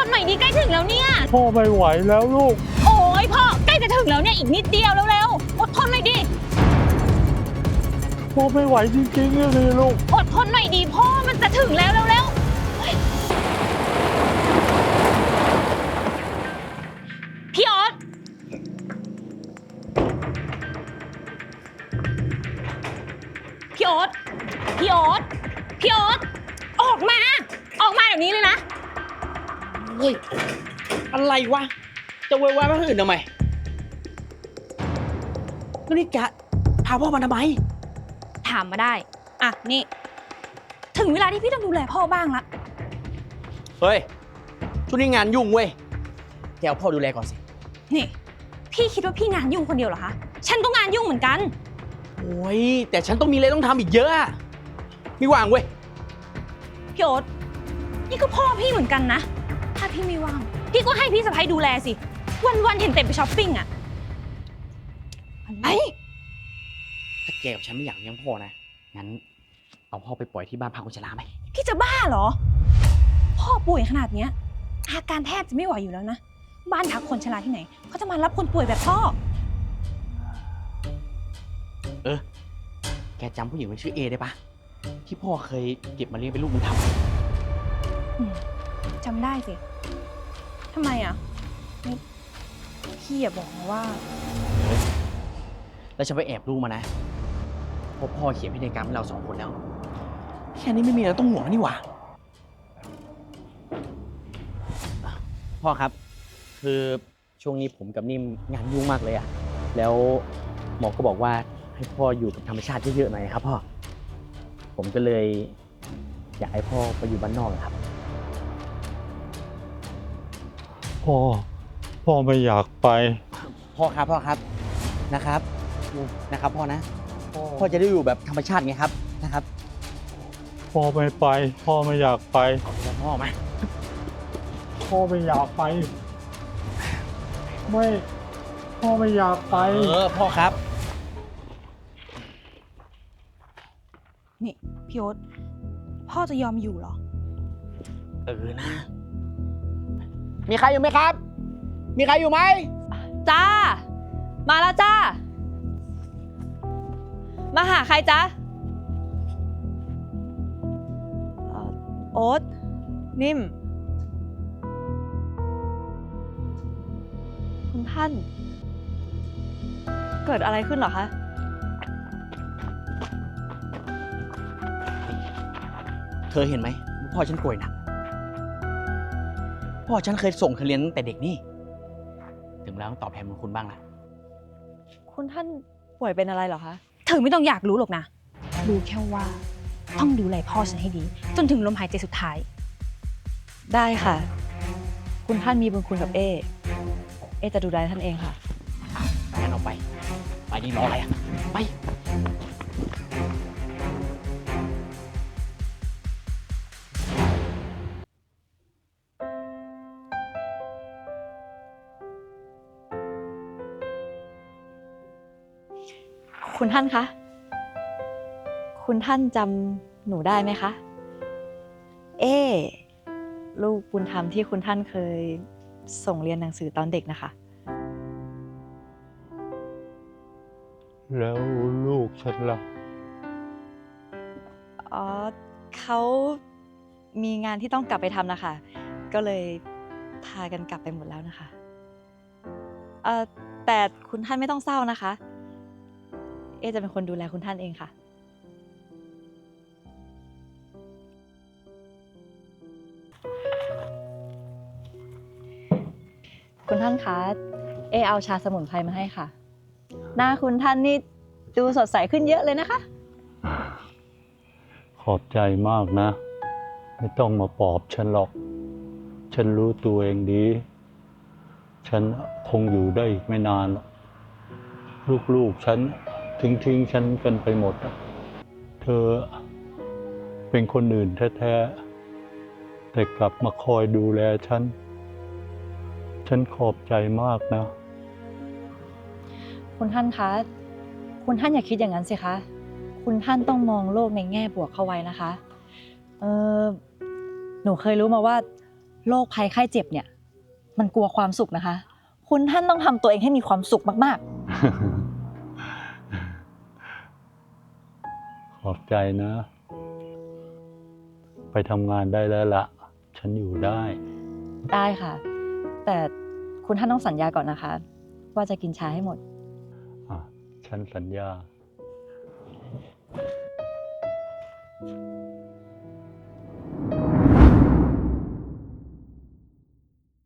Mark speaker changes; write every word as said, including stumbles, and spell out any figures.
Speaker 1: หน่อยดิใกล้ถึงแล้วเนี่ย
Speaker 2: พ่อไม่ไหวแล้วลูก
Speaker 1: โอ้ยพ่อใกล้จะถึงแล้วเนี่ยอีกนิดเดียวเร็วๆอดทนหน่อยดิ
Speaker 2: พ่อไม่ไหวจริงๆเลยลูก
Speaker 1: อดทนหน่อยดิพ่อมันจะถึงแล้วเร็วๆพี่ออสพี่ออสพี่ออสพี่ออสออกมาออกมาเดี๋ยวนี้เลยนะ
Speaker 3: เฮ้ยอะไรวะจะเวยวายมาคนอื่นทำไมแล้วนี่แกพาพ่อมาทำไม
Speaker 1: ถามมาได้อ่ะนี่ถึงเวลาที่พี่ต้องดูแลพ่อบ้างละ
Speaker 3: เฮ้ยช่วงนี้งานยุ่งเว้ยแกเอาพ่อดูแลก่อนสิ
Speaker 1: นี่พี่คิดว่าพี่งานยุ่งคนเดียวเหรอคะฉันก็งานยุ่งเหมือนกัน
Speaker 3: โอ้ยแต่ฉันต้องมีอะไรต้องทำอีกเยอะอะไม่ว่างเว้ย
Speaker 1: พี่โอ๊ตนี่ก็พ่อพี่เหมือนกันนะถ้าพี่ไม่ว่างพี่ก็ให้พี่สะใภ้ดูแลสิวันๆเห็นเต็มไปช้อปปิ้งอะอะไร
Speaker 3: ถ้าแกกับฉันไม่อยากเลี้ยงพ่อนะงั้นเอาพ่อไปปล่อยที่บ้านพักคนชราไหม
Speaker 1: พี่จะบ้าเหรอพ่อป่วยขนาดเนี้ยอาการแทบจะไม่ไหวอยู่แล้วนะบ้านพักคนชราที่ไหนเขาจะมารับคนป่วยแบบพ่อ
Speaker 3: เออแกจำผู้หญิงคนชื่อเอได้ปะที่พ่อเคยเก็บมาเลี้ยงเป็นลูกบุญธรรม
Speaker 1: จำได้สิทำไมอ่ะพี่อย่าบอกนะว่า
Speaker 3: แล้วฉันไปแอบรู้มานะเพราะพ่อเขียนพินัยกรรมให้เราสองคนแล้วแค่นี้ไม่มีอะไรต้องห่วงนี่หว่าพ่อครับคือช่วงนี้ผมกับนิ่มงานยุ่งมากเลยอะแล้วหมอก็บอกว่าให้พ่ออยู่กับธรรมชาติเยอะๆหน่อยครับพ่อผมก็เลยอยากให้พ่อไปอยู่บ้านนอกครับ
Speaker 2: พ่อพ่อไม่อยากไป
Speaker 3: พ่อครับพ่อครับนะครับนะครับพ่อนะพ่อจะได้อยู่แบบธรรมชาติไงครับนะครับ
Speaker 2: พ่อไม่ไปพ่อไม่อยากไป
Speaker 3: พ่อมา
Speaker 2: พ่อไม่อยากไปไม่พ่อไม่อยากไป
Speaker 3: เออพ่อครับ
Speaker 1: นี่พี่โอ๊ตพ่อจะยอมอยู่เหรอ
Speaker 3: เออนะมีใครอยู่ไหมครับมีใครอยู่ไหม
Speaker 1: จ้ามาแล้วจ้ามาหาใครจ๊ะโอ๊ตนิ่มคุณท่านเกิดอะไรขึ้นเหรอคะ
Speaker 3: เธอเห็นไหมพ่อฉันป่วยหนักพ่อฉันเคยส่งเธอเรียนตั้งแต่เด็กนี่ถึงแล้วต้องตอบแทนบุญคุณบ้างนะ
Speaker 1: คุณท่านป่วยเป็นอะไรเหรอคะเธอไม่ต้องอยากรู้หรอกนะรู้แค่ว่าต้องดูแลพ่อฉันให้ดีจนถึงลมหายใจสุดท้าย
Speaker 4: ได้ค่ะคุณท่านมีบุญคุณกับเอเอจะดูแลท่านเองค่ะ
Speaker 3: งั้นเอาไปไปนี่รออะไรอ่ะไป
Speaker 4: คุณท่านคะคุณท่านจำหนูได้ไหมคะเอลูกบุญธรรมที่คุณท่านเคยส่งเรียนหนังสือตอนเด็กนะคะ
Speaker 2: แล้วลูกฉันล่ะ
Speaker 4: อ๋อเขามีงานที่ต้องกลับไปทำนะคะก็เลยพากันกลับไปหมดแล้วนะคะเอ่อแต่คุณท่านไม่ต้องเศร้านะคะเอจะเป็นคนดูแลคุณท่านเองค่ะคุณท่านคะเอเอาชาสมุนไพรมาให้ค่ะหน้าคุณท่านนี่ดูสดใสขึ้นเยอะเลยนะคะ
Speaker 2: ขอบใจมากนะไม่ต้องมาปลอบฉันหรอกฉันรู้ตัวเองดีฉันคงอยู่ได้อีกไม่นานหรอกลูกๆฉันทิ้งทิ้งฉันกันไปหมดเธอเป็นคนอื่นแท้ๆแต่กลับมาคอยดูแลฉันฉันขอบใจมากนะ
Speaker 4: คุณท่านคะคุณท่านอย่าคิดอย่างนั้นสิคะคุณท่านต้องมองโลกในแง่บวกเข้าไว้นะคะเออหนูเคยรู้มาว่าโรคภัยไข้เจ็บเนี่ย มันกลัวความสุขนะคะ คุณท่านต้องทำตัวเองให้มีความสุขมาก
Speaker 2: ขอบใจนะ ไปทำงานได้แล้วละฉันอยู่ได้
Speaker 4: ๆ ได้ค่ะ แต่คุณท่านต้องสัญญาก่อนนะคะ ว่าจะกินชาให้หมด
Speaker 2: อ่ะ ฉันสัญญา